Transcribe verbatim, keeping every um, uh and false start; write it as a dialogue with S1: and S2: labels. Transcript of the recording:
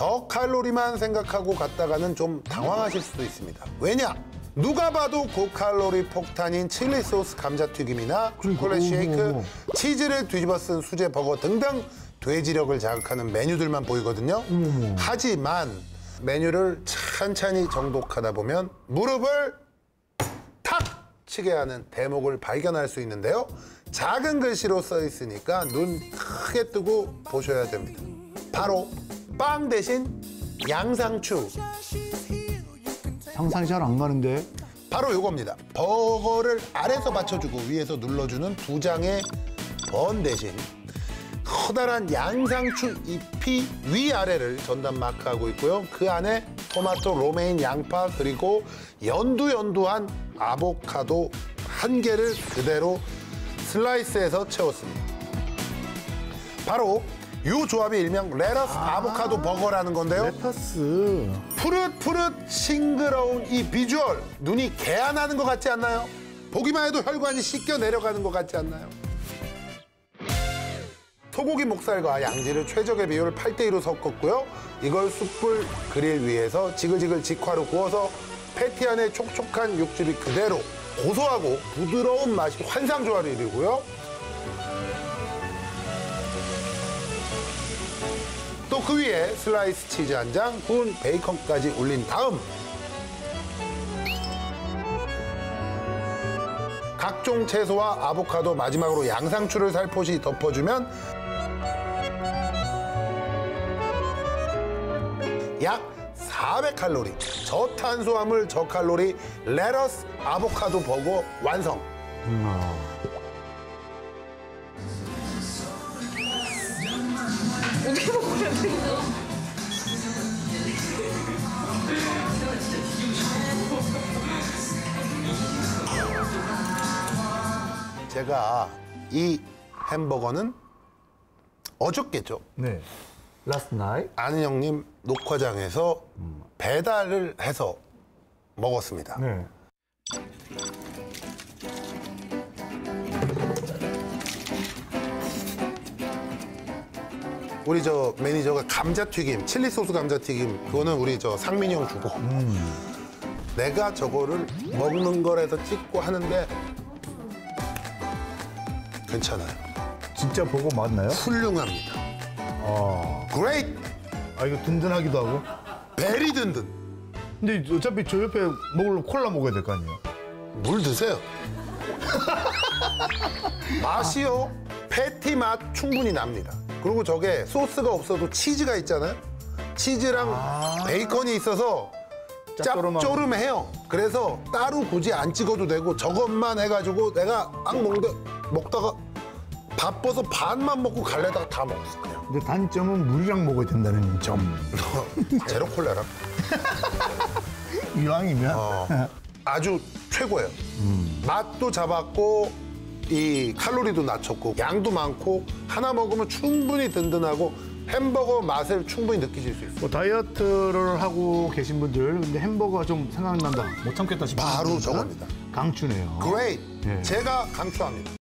S1: 저칼로리만 생각하고 갔다가는 좀 당황하실 수도 있습니다. 왜냐? 누가 봐도 고칼로리 폭탄인 칠리 소스 감자튀김이나 초콜릿 쉐이크, 치즈를 뒤집어 쓴 수제 버거 등등 돼지력을 자극하는 메뉴들만 보이거든요.
S2: 어머.
S1: 하지만 메뉴를 찬찬히 정독하다 보면 무릎을 탁 치게 하는 대목을 발견할 수 있는데요. 작은 글씨로 써 있으니까 눈 크게 뜨고 보셔야 됩니다. 바로 빵 대신 양상추.
S2: 상상이 잘 안 가는데.
S1: 바로 이겁니다. 버거를 아래서 받쳐주고 위에서 눌러주는 두 장의 번 대신 커다란 양상추 잎이 위아래를 전단 마크하고 있고요. 그 안에 토마토, 로메인, 양파 그리고 연두연두한 아보카도 한 개를 그대로 슬라이스해서 채웠습니다. 바로 이 조합이 일명 레터스 아 아보카도 버거라는 건데요.
S2: 레터스.
S1: 푸릇푸릇 싱그러운 이 비주얼, 눈이 개안하는 것 같지 않나요? 보기만 해도 혈관이 씻겨 내려가는 것 같지 않나요? 소고기 목살과 양지를 최적의 비율을 팔 대 이로 섞었고요. 이걸 숯불 그릴 위에서 지글지글 직화로 구워서 패티 안에 촉촉한 육즙이 그대로 고소하고 부드러운 맛이 환상조화를 이루고요. 또 그 위에 슬라이스 치즈 한 장, 구운 베이컨까지 올린 다음 각종 채소와 아보카도, 마지막으로 양상추를 살포시 덮어주면 약 사백 칼로리, 저탄수화물, 저칼로리 레터스 아보카도 버거 완성.
S2: 음.
S3: 어떻게 먹어야 돼, 이거?
S1: 제가 이 햄버거는 어저께죠.
S2: 네. Last night.
S1: 아는 형님 녹화장에서 배달을 해서 먹었습니다.
S2: 네.
S1: 우리 저 매니저가 감자튀김, 칠리 소스 감자튀김 그거는 우리 저 상민이 형 주고 음. 내가 저거를 먹는 거라서 찍고 하는데 괜찮아요.
S2: 진짜 버거 맞나요?
S1: 훌륭합니다.
S2: 아.
S1: Great!
S2: 아, 이거 든든하기도 하고.
S1: 베리 든든.
S2: 근데 어차피 저 옆에 먹으려면 콜라 먹어야 될 거 아니에요?
S1: 물 드세요. 맛이요. 패티 맛 충분히 납니다. 그리고 저게 소스가 없어도 치즈가 있잖아요. 치즈랑 아 베이컨이 있어서 짭조름해요. 그래서 따로 굳이 안 찍어도 되고 저것만 해가지고 내가 악 먹는데 먹다가 바빠서 반만 먹고 갈래다가 다 먹었어 그냥.
S2: 근데 단점은 물이랑 먹어야 된다는 점.
S1: 제로 콜라랑.
S2: 이왕이면.
S1: 어, 아주 최고예요. 음. 맛도 잡았고 이 칼로리도 낮췄고 양도 많고 하나 먹으면 충분히 든든하고 햄버거 맛을 충분히 느끼실 수 있어요.
S2: 뭐 다이어트를 하고 계신 분들 근데 햄버거가 좀 생각난다 못 참겠다 싶으면
S1: 바로 저겁니다.
S2: 강추네요.
S1: Great.
S2: 네.
S1: 제가 강추합니다.